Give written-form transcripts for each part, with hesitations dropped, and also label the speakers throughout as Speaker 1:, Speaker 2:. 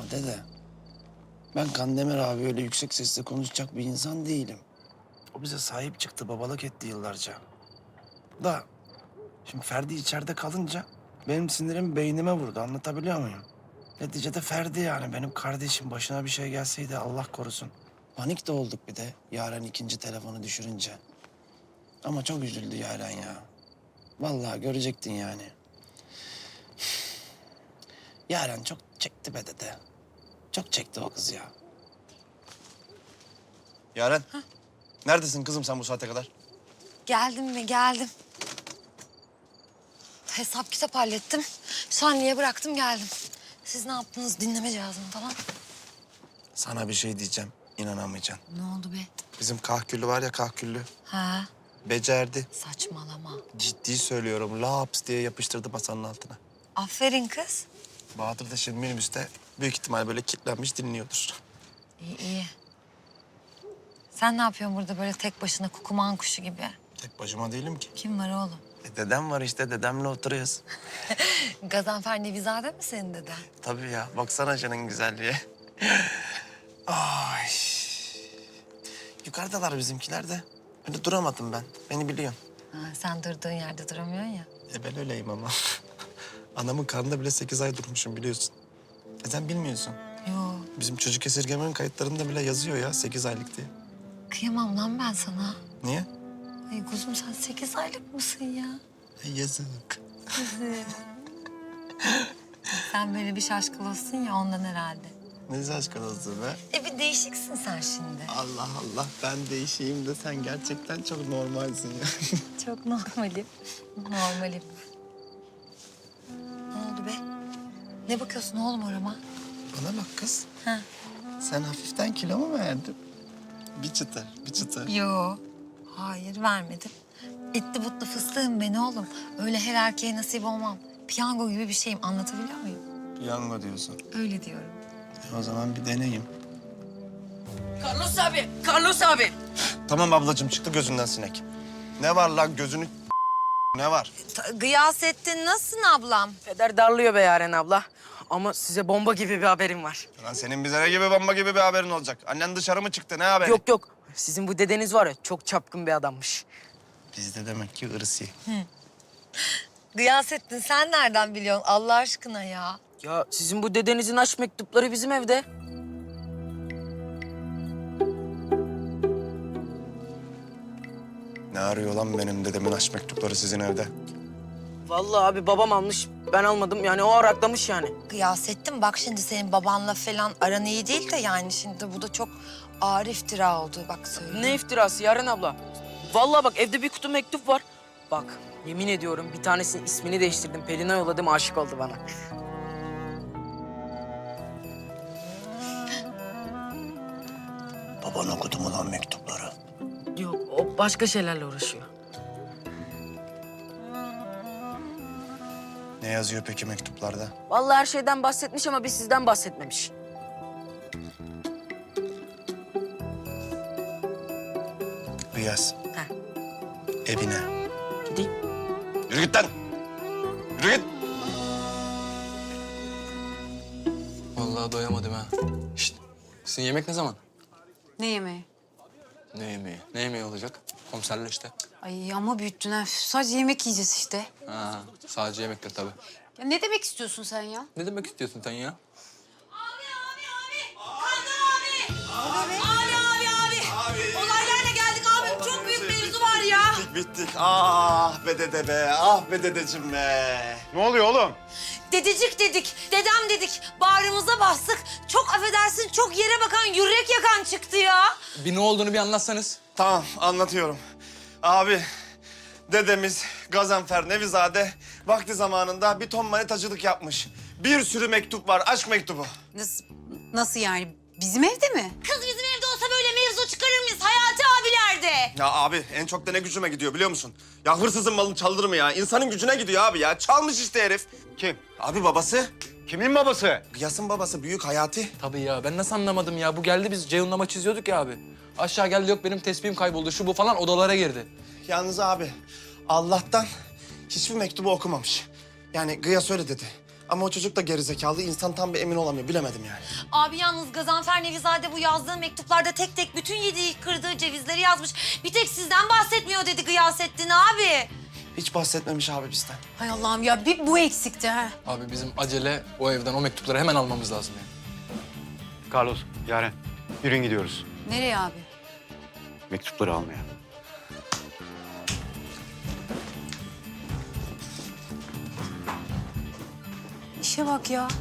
Speaker 1: dede, ben Kandemir abi öyle yüksek sesle konuşacak bir insan değilim. O bize sahip çıktı, babalık etti yıllarca. Da şimdi Ferdi içeride kalınca benim sinirim beynime vurdu, anlatabiliyor muyum? Neticede Ferdi yani benim kardeşim, başına bir şey gelseydi Allah korusun. Panik de olduk bir de Yaren ikinci telefonu düşürünce. Ama çok üzüldü Yaren ya. Vallahi görecektin yani. Yaren çok çekti be dede. Çok çekti o kız ya.
Speaker 2: Yaren, neredesin kızım sen bu saate kadar?
Speaker 3: Geldim mi? Geldim. Hesap kitap hallettim. Şanli'ye bıraktım geldim. Siz ne yaptınız? Dinleme cihazını falan.
Speaker 1: Sana bir şey diyeceğim, inanamayacaksın.
Speaker 3: Ne oldu be?
Speaker 1: Bizim kahküllü var ya kahküllü.
Speaker 3: Ha,
Speaker 1: Becerdi.
Speaker 3: saçmalama.
Speaker 1: Ciddi söylüyorum, laps diye yapıştırdı masanın altına.
Speaker 3: Aferin kız.
Speaker 1: Bahadır da şimdi minibüste büyük ihtimal böyle kilitlenmiş dinliyordur.
Speaker 3: İyi iyi. Sen ne yapıyorsun burada böyle tek başına kukuman kuşu gibi?
Speaker 1: Tek başıma değilim ki.
Speaker 3: Kim var oğlum?
Speaker 1: Dedem var işte, dedemle oturuyoruz.
Speaker 3: Gazanfer Nevizade mi senin deden?
Speaker 1: Tabii ya, baksana canın güzelliğe. Ay. Yukarıdalar bizimkiler de. Öyle duramadım ben, beni biliyorsun.
Speaker 3: Ha, sen durduğun yerde duramıyorsun ya.
Speaker 1: Ben öyleyim ama. Anamın karnında bile 8 ay durmuşum biliyorsun. Sen bilmiyorsun.
Speaker 3: Yo,
Speaker 1: Bizim çocuk esirgemenin kayıtlarında bile yazıyor ya 8 aylık diye.
Speaker 3: kıyamam lan ben sana.
Speaker 1: Niye?
Speaker 3: Ay kuzum sen 8 aylık mısın ya?
Speaker 1: Yazık.
Speaker 3: Sen böyle bir şaşkın ya ondan herhalde.
Speaker 1: Ne şaşkın olsun be.
Speaker 3: Bir değişiksin sen şimdi.
Speaker 1: Allah Allah, ben değişeyim de sen gerçekten çok normalsin ya.
Speaker 3: Çok normalim. Normalim. Ne oldu be? Ne bakıyorsun oğlum orama?
Speaker 1: Bana bak kız,
Speaker 3: Ha?
Speaker 1: sen hafiften kilo mu verdin? Bir çıtır, bir çıtır.
Speaker 3: Yo. Hayır vermedim. Etli butlu fıstığım ben oğlum. Öyle her erkeğe nasip olmam. Piyango gibi bir şeyim, anlatabiliyor muyum?
Speaker 1: Piyango diyorsun.
Speaker 3: Öyle diyorum.
Speaker 1: O zaman bir deneyeyim.
Speaker 4: Carlos abi, Carlos abi.
Speaker 1: Tamam ablacığım, çıktı gözünden sinek. Ne var lan gözünü ne var?
Speaker 3: Gıyasettin nasılsın ablam?
Speaker 4: Peder darlıyor be Yaren abla. Ama size bomba gibi bir haberim var.
Speaker 1: Lan senin bize ne gibi bomba gibi bir haberin olacak? Annen dışarı mı çıktı, ne haberi?
Speaker 4: Yok yok, sizin bu dedeniz var ya çok çapkın bir adammış.
Speaker 1: Bizde demek ki ırsi.
Speaker 3: Gıyasettin sen nereden biliyorsun Allah aşkına ya?
Speaker 4: Ya sizin bu dedenizin aşk mektupları bizim evde.
Speaker 1: Ne arıyor lan benim dedemin aşk mektupları sizin evde?
Speaker 4: Vallahi abi babam almış, ben almadım. Yani o araklamış yani.
Speaker 3: Gıyasettin bak şimdi senin babanla falan aran iyi değil de yani şimdi bu da çok ağır iftira oldu bak söyle.
Speaker 4: Ne iftirası Yaren abla? Vallahi bak evde bir kutu mektup var. Bak yemin ediyorum bir tanesinin ismini değiştirdim. Pelin'e yolladım, aşık oldu bana.
Speaker 1: Baban okudu mu lan mektupları?
Speaker 4: Yok o başka şeylerle uğraşıyor.
Speaker 1: Ne yazıyor peki mektuplarda?
Speaker 4: Vallahi her şeyden bahsetmiş ama bir sizden bahsetmemiş.
Speaker 1: Riyaz,
Speaker 4: Heh.
Speaker 1: evine.
Speaker 4: Gideyim.
Speaker 1: Yürü git lan! Yürü git!
Speaker 5: Vallahi doyamadım ha. Şişt, sizin yemek ne zaman?
Speaker 6: Ne yemeği?
Speaker 5: Ne yemeği? Ne yemeği olacak? Komiserle işte.
Speaker 6: Ay ama büyüttün ha. Sadece yemek yiyeceğiz işte.
Speaker 5: Ha, sadece yemektir tabii.
Speaker 6: Ya ne demek istiyorsun sen ya?
Speaker 5: Ne demek istiyorsun sen ya?
Speaker 7: Abi. Olaylarla geldik abim. Çok büyük mevzu var ya.
Speaker 1: Bittik. Ah be dede be, ah be dedeciğim be. Ne oluyor oğlum?
Speaker 3: Dedecik dedik, dedem dedik. Bağrımıza bastık. Çok affedersin çok yere bakan, yürek yakan çıktı ya.
Speaker 5: Bir ne olduğunu bir anlatsanız.
Speaker 1: Tamam, anlatıyorum. Abi, dedemiz Gazanfer Nevizade vakti zamanında bir ton manitacılık yapmış. Bir sürü mektup var, aşk mektubu.
Speaker 6: Nasıl yani? Bizim evde mi?
Speaker 3: Kız bizim evde olsa böyle mevzu çıkarır mıyız Hayati abilerde?
Speaker 1: Ya abi, en çok da ne gücüme gidiyor biliyor musun? Ya hırsızın malını çaldırır mı ya? İnsanın gücüne gidiyor abi ya. Çalmış işte herif.
Speaker 8: Kim?
Speaker 1: Abi babası.
Speaker 8: Kimin babası?
Speaker 1: Gıyas'ın babası, büyük Hayati.
Speaker 5: Tabii ya ben nasıl anlamadım ya. Bu geldi biz Ceyhun'la maç izliyorduk ya abi. Aşağı geldi yok benim tespihim kayboldu şu bu falan odalara girdi.
Speaker 1: Yalnız abi, Allah'tan hiçbir mektubu okumamış. Yani Gıyas öyle dedi. Ama o çocuk da gerizekalı. İnsan tam bir emin olamıyor. Bilemedim yani.
Speaker 3: Abi yalnız Gazanfer Nevizade bu yazdığı mektuplarda tek tek bütün yediği kırdığı cevizleri yazmış. Bir tek sizden bahsetmiyor dedi Gıyasettin abi.
Speaker 1: Hiç bahsetmemiş abi bizden.
Speaker 6: Hay Allah'ım ya bir bu eksikti ha.
Speaker 5: Abi bizim acele o evden o mektupları hemen almamız lazım yani.
Speaker 8: Carlos, Yaren, yürüyün gidiyoruz.
Speaker 6: Nereye abi?
Speaker 8: Mektupları almaya.
Speaker 6: İşe bak ya.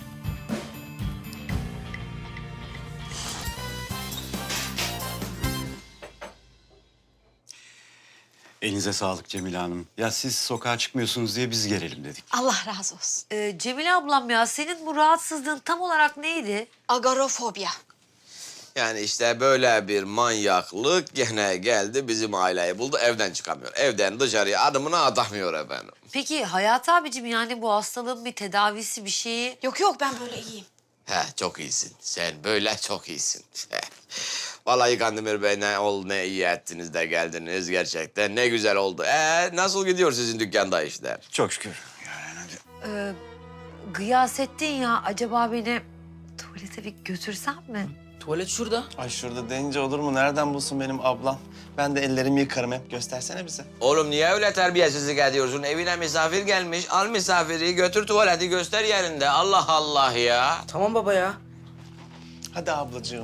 Speaker 8: Elinize sağlık Cemile Hanım. Ya siz sokağa çıkmıyorsunuz diye biz gelelim dedik.
Speaker 6: Allah razı olsun.
Speaker 9: Cemile ablam ya senin bu rahatsızlığın tam olarak neydi?
Speaker 6: Agorafobia.
Speaker 10: Yani işte böyle bir manyaklık gene geldi bizim aileyi buldu evden çıkamıyor. Evden dışarıya adımını atamıyor efendim.
Speaker 9: Peki Hayat abicim yani bu hastalığın bir tedavisi bir şeyi...
Speaker 6: Yok yok ben böyle iyiyim.
Speaker 10: Çok iyisin. Sen böyle çok iyisin. Vallahi Kandemir Bey ne iyi ettiniz de geldiniz gerçekten. Ne güzel oldu. Nasıl gidiyor sizin dükkanda işler?
Speaker 8: Çok şükür. Yaren hadi.
Speaker 9: Gıyasettin ya acaba beni tuvalete bir götürsen mi?
Speaker 4: Tuvalet şurada.
Speaker 1: Ay şurada deyince olur mu? Nereden bulsun benim ablam? Ben de ellerimi yıkarım hep. Göstersene bize.
Speaker 10: Oğlum niye öyle terbiyesizlik ediyorsun? Evine misafir gelmiş. Al misafiri götür tuvaleti göster yerinde. Allah Allah ya.
Speaker 4: Tamam baba ya.
Speaker 1: Hadi ablacığım.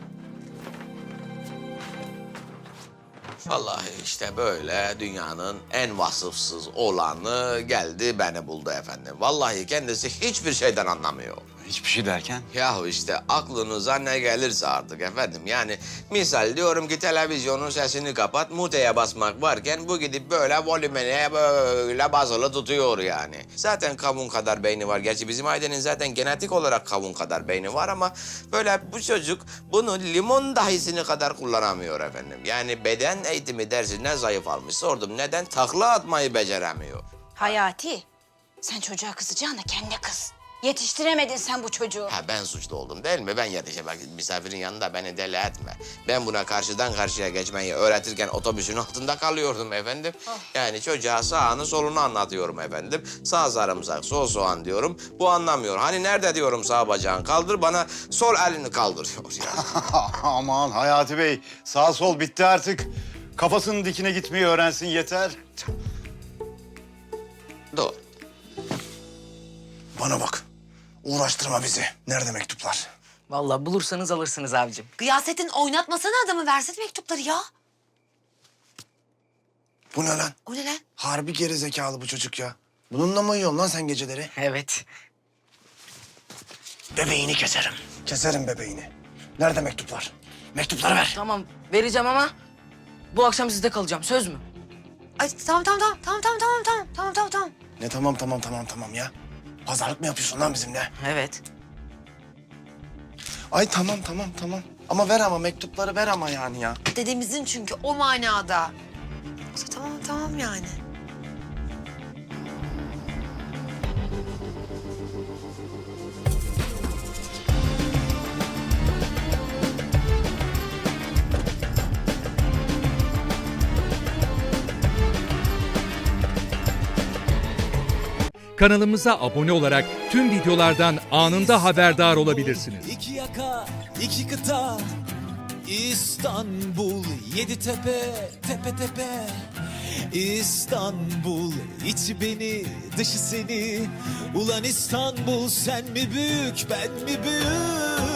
Speaker 10: Vallahi işte böyle dünyanın en vasıfsız olanı geldi beni buldu efendim. Vallahi kendisi hiçbir şeyden anlamıyor.
Speaker 8: Hiçbir şey derken?
Speaker 10: Yahu işte aklınıza ne gelirse artık efendim. Yani misal diyorum ki televizyonun sesini kapat, muteye basmak varken bu gidip böyle volümene böyle basılı tutuyor yani. Zaten kavun kadar beyni var. Gerçi bizim ailenin zaten genetik olarak kavun kadar beyni var ama böyle bu çocuk bunu limon dahisini kadar kullanamıyor efendim. Yani beden eğitimi dersine zayıf almış. Sordum neden? Takla atmayı beceremiyor.
Speaker 6: Hayati sen çocuğa kızacağına kendine kız. Yetiştiremedin sen bu çocuğu.
Speaker 10: Ben suçlu oldum değil mi? Ben yetişemem. Misafirin yanında beni deli etme. Ben buna karşıdan karşıya geçmeyi öğretirken otobüsün altında kalıyordum efendim. Yani çocuğa sağını solunu anlatıyorum efendim. Sağ sarımsak, sol soğan diyorum. Bu anlamıyor. Hani nerede diyorum sağ bacağını kaldır, bana sol elini kaldırıyor ya.
Speaker 8: Aman Hayati Bey, sağ sol bitti artık. Kafasının dikine gitmeyi öğrensin yeter.
Speaker 10: Doğru.
Speaker 1: Bana bak. Uğraştırma bizi. Nerede mektuplar?
Speaker 4: Vallahi bulursanız alırsınız abicim.
Speaker 3: Gıyasettin oynatmasana adamı versene mektupları ya.
Speaker 1: Bu ne lan?
Speaker 3: O ne lan?
Speaker 1: Harbi gerizekalı bu çocuk ya. Bununla mı uyuyorsun lan sen geceleri?
Speaker 4: Evet.
Speaker 1: Bebeğini keserim. Keserim bebeğini. Nerede mektuplar? Mektupları ver.
Speaker 4: Tamam vereceğim ama bu akşam sizde kalacağım. Söz mü?
Speaker 3: Ay tamam.
Speaker 1: Ne tamam ya? Pazarlık mı yapıyorsun lan bizimle?
Speaker 4: Evet.
Speaker 1: Ay tamam. Ama ver ama mektupları ver ama yani ya.
Speaker 3: Dedemizin çünkü o manada. Tamam yani.
Speaker 11: Kanalımıza abone olarak tüm videolardan anında haberdar olabilirsiniz.
Speaker 12: İki yaka, iki kıta, İstanbul, yedi tepe, tepe tepe. İstanbul, içi beni, dışı seni. Ulan İstanbul, sen mi büyük, ben mi büyük?